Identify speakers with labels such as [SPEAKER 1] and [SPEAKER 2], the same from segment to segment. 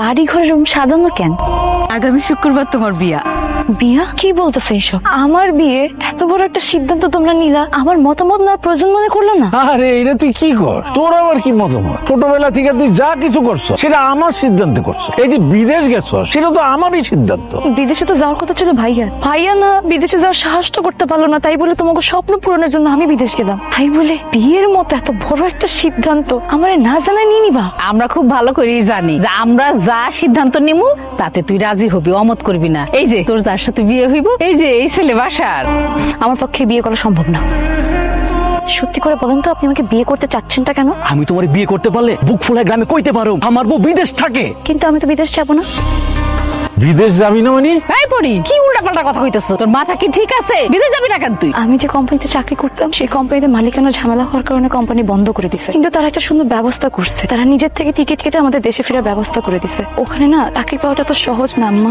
[SPEAKER 1] বাড়ি ঘরের রুম সাজানো কেন?
[SPEAKER 2] আগামী শুক্রবার তোমার বিয়া।
[SPEAKER 1] বিয়া? কি বলতেছে এইসব? আমার বিয়ে? এত বড় একটা সিদ্ধান্ত তোমরা নিলা, আমার মতামত না প্রয়োজন মনে করলো না?
[SPEAKER 3] আরে এটা তুই কি কর, তোর আবার কি মতামত? ছোটবেলা থেকে তুই যা কিছু করছো সেটা আমার সিদ্ধান্তে করছো। এই যে বিদেশ গেছো সেটা তো আমারই সিদ্ধান্ত।
[SPEAKER 1] বিদেশে তো যাওয়ার কথা ছিল ভাইয়া, ভাইয়া না বিদেশে যাওয়ার সাহসটা করতে পারলো না, তাই বলে তোমাকে স্বপ্ন পূরণের জন্য আমি বিদেশ গেলাম। তাই বলে বিয়ের মতো এত বড় একটা সিদ্ধান্ত আমার না জানাই নিয়ে নিবা?
[SPEAKER 2] আমরা খুব ভালো করেই জানি যে আমরা যা সিদ্ধান্ত নিমু তাতে তুই রাজি হবি, অমত করবি না। এই যে তোর যার সাথে বিয়ে হইব, এই যে এই ছেলে বাসার।
[SPEAKER 1] আমার পক্ষে বিয়ে করা সম্ভব না। সত্যি করে বলেন তো, আপনি আমাকে বিয়ে করতে চাচ্ছেনটা কেন?
[SPEAKER 4] আমি তোমার বিয়ে করতে পারলে বুক ফুলায় গ্রামে কইতে পারো আমার বউ বিদেশ থাকে।
[SPEAKER 1] কিন্তু আমি তো বিদেশ যাবো না।
[SPEAKER 3] বিদেশ যাবি না মানে?
[SPEAKER 2] এই পড়ি কি উল্টাপাল্টা কথা কইতেছ? তোর মাথা কি ঠিক আছে? বিদেশ যাবি না কেন তুই?
[SPEAKER 1] আমি যে কোম্পানিতে চাকরি করতাম সেই কোম্পানিতে মালিকানা ঝামেলা হওয়ার কারণে কোম্পানি বন্ধ করে দিছে, কিন্তু তারা একটা সুন্দর ব্যবস্থা করছে। তারা নিজের থেকে টিকিট কেটে আমাদের দেশে ফেরার ব্যবস্থা করে দিছে। ওখানে না চাকরি পাওয়াটা তো সহজ না আম্মা।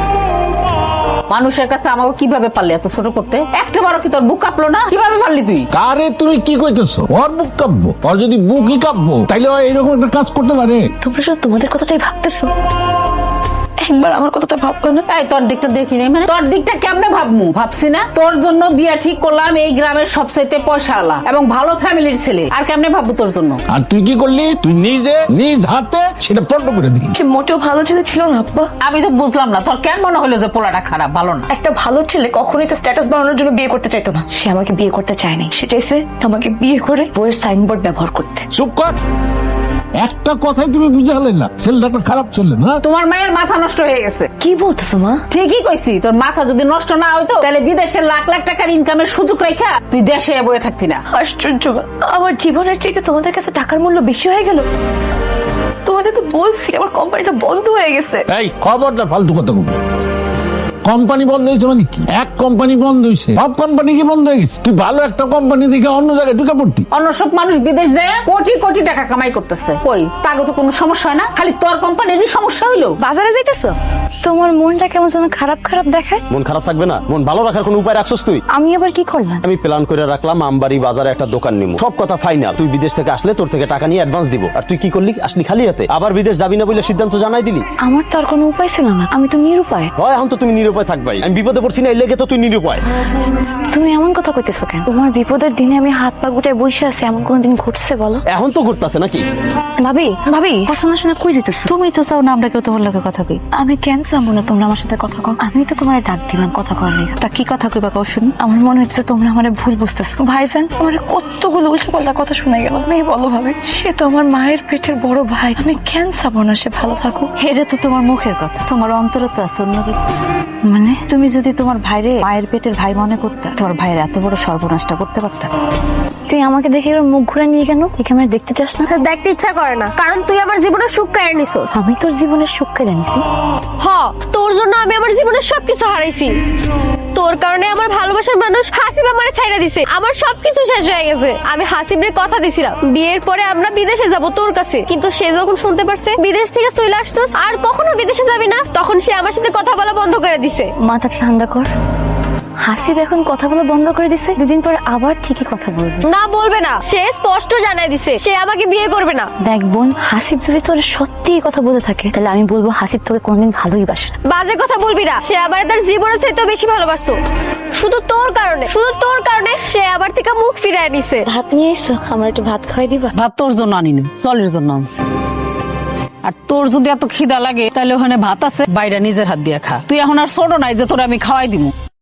[SPEAKER 2] মানুষের কাছে আমাকে কিভাবে পারলি এত ছোট করতে? একটা বারো কি তোর বুক কাঁপলো না? কিভাবে পারলি তুই?
[SPEAKER 3] কারে তুমি কি কইতেছো? ওর বুক কাঁপবো? ওর যদি বুকই কাঁপবো তাইলে ও এরকম একটা কাজ করতে পারে?
[SPEAKER 1] তোমরা শুধু তোমাদের কথাটাই ভাবতেছো, একবার আমার কথাটা ভাববে না?
[SPEAKER 2] এই তোর দিকটা দেখি নাই মানে? তোর দিকটা কেমনে ভাবমু? ভাবছি না তোর জন্য বিয়া ঠিক করলাম এই গ্রামের সবচাইতে পয়সাওয়ালা এবং ভালো ফ্যামিলির ছেলে, আর কেমনে ভাববো তোর জন্য?
[SPEAKER 3] আর তুই কি করলি? তুই নিজে নিজ হাতে সেটা পণ্ড করে দিলি।
[SPEAKER 1] সে মোটেও ভালো ছেলে ছিল না আব্বা।
[SPEAKER 2] আমি তো বুঝলাম না তোর কেন মনে হলো যে পোলাটা খারাপ, ভালো না?
[SPEAKER 1] একটা ভালো ছেলে কখনোই তো স্ট্যাটাস বাড়ানোর জন্য বিয়ে করতে চাইতো না। সে আমাকে বিয়ে করতে চায়নি, সে চাইছে আমাকে বিয়ে করে বইয়ের সাইনবোর্ড ব্যবহার করতে।
[SPEAKER 3] চুপ কর, একটা কথাই তুমি বুঝালে না ছেলেটা একটা খারাপ ছেলে না।
[SPEAKER 2] তোমার মায়ের মাথা নষ্ট হয়ে গেছে।
[SPEAKER 1] কি বলতেছো মা?
[SPEAKER 2] ঠিকই কইছি, তোর মাথা যদি নষ্ট না হইতো তাহলে বিদেশে লাখ লাখ টাকার ইনকামের সুযোগ রেখা তুই দেশে বয়ে থাকতি না।
[SPEAKER 1] আশ্চর্য মা, আমার জীবনের চাইতে তোমাদের কাছে টাকার মূল্য বেশি হয়ে গেল। তোমাদের তো বলছি আমার কোম্পানিটা বন্ধ হয়ে গেছে।
[SPEAKER 3] এই খবরদার ফালতু কথা বলবো। কোম্পানি বন্ধ হয়েছে মানে কি? এক কোম্পানি বন্ধ হয়েছে, সব কোম্পানি কি বন্ধ হয়ে গেছে? তুই ভালো একটা কোম্পানি দেখে অন্য জায়গায় ঢুকে পড়তি।
[SPEAKER 2] অন্য সব মানুষ বিদেশ যায় কোটি কোটি টাকা কামাই করতেছে, কই তাকে তো কোনো সমস্যা হয় না, খালি তোর কোম্পানিরই সমস্যা হইলো।
[SPEAKER 1] বাজারে যাইতেছো? তোমার মনটা কেমন যেন খারাপ খারাপ দেখায়।
[SPEAKER 4] মন খারাপ থাকবে না? মন ভালো রাখার কোনো উপায় রাখছস তুই?
[SPEAKER 1] আমি আবার কি করলাম?
[SPEAKER 4] আমি প্ল্যান করে রাখলাম আমবাড়ি বাজারে একটা দোকান নিব, সব কথা ফাইনাল। তুই বিদেশ থেকে আসলে তোর থেকে টাকা নিয়ে অ্যাডভান্স দিব, আর তুই কি করলি? আসলি খালি হাতে, আবার বিদেশ যাবি না বলে সিদ্ধান্ত জানাই দিলি।
[SPEAKER 1] আমার তো আর কোনো উপায় ছিল না, আমি তো নিরুপায়।
[SPEAKER 4] হয় এখন তো তুমি নিরুপায় থাকবাই, আমি বিপদে পড়ছি না এই লেগে তো তুই নিরুপায়।
[SPEAKER 1] তুমি এমন কথা কইতেছো কেন? তোমার বিপদের দিনে আমি হাত পা গুটায় বসে আছি, এমন কোনদিন ঘটছে বলো?
[SPEAKER 4] এখন তো ঘুরতেছে নাকি?
[SPEAKER 1] ভাবি ভাবি, কথা না শুনে কই যেতেছো? তুমি তো চাও না আমরা কেউ তোমার লগে কথা কই। আমি কেন চাবো না তোমরা আমার সাথে কথা কও? আমি তো তোমার ডাক দিলাম কথা করার লেগে। তা কি কথা কইবা কও শুনি? আমার মনে হচ্ছে তোমরা আমার ভুল বুঝতেছো। ভাইজান আমার কতগুলো উল্টোপাল্টা কথা শুনে গেল। তুমি বলো ভাবি, সে তো আমার মায়ের পেটের বড় ভাই, আমি কেন চাবো না সে ভালো থাকুক? এটা তো তোমার মুখের কথা, তোমার অন্তরে তো আছে অন্য কিছু। মানে তুমি যদি তোমার ভাইরে মায়ের পেটের ভাই মনে করতে, তোমার ভাইয়ের এত বড় সর্বনাশটা করতে পারতা? তুই আমাকে দেখে এবার মুখ ঘুরে নিয়ে কেন? তুই আমার দেখতে চাস না?
[SPEAKER 5] দেখতে ইচ্ছা করে না, কারণ তুই আমার জীবনের সুখ কেড়ে নিছিস।
[SPEAKER 1] আমি তোর জীবনের সুখ কেড়ে নিছি?
[SPEAKER 5] তোর জন্য আমি আমার জীবনের সবকিছু হারাইছি। তোর কারণে আমার ভালোবাসার মানুষ হাসিব আমারে ছাইড়া দিছে, আমার সবকিছু শেষ হয়ে গেছে। আমি হাসিবরে কথা দিছিলাম বিয়ের পরে আমরা বিদেশে যাব তোর কাছে, কিন্তু সে যখন শুনতে পারছে বিদেশ থেকে চলে আসছস আর কখনো বিদেশে যাবি না, তখন সে আমার সাথে কথা বলা বন্ধ করে দিছে।
[SPEAKER 1] মাথা ঠান্ডা কর। হাসিব এখন কথা বলা বন্ধ করে দিছে, দুদিন পরে আবার ঠিকই কথা বলবে।
[SPEAKER 5] না বলবে না, সে স্পষ্ট জানাই দিছে সে আমাকে বিয়ে করবে না।
[SPEAKER 1] দেখ বোন, হাসিব যদি তোর সত্যি কথা বলে থাকে তাহলে আমি বলবো হাসিব তোকে কোনদিন ভালোই বাসে না।
[SPEAKER 5] বাজে কথা বলবি না, সে আমার তার জীবনের চাইতে বেশি ভালোবাসতো। শুধু তোর কারণে সে আমার থেকে মুখ ফিরায় নিছে।
[SPEAKER 1] ভাত নিয়ে এসো, আমার একটু ভাত খাওয়াই দিবা?
[SPEAKER 2] ভাত তোর জন্য আনিনি, চলের জন্য আনছি। আর তোর যদি এত খিদা লাগে তাহলে ওখানে ভাত আছে, বাইরে নিজের হাত দিয়ে খা। তুই এখন আর ছোট নাই যে তোর আমি খাওয়াই দিব।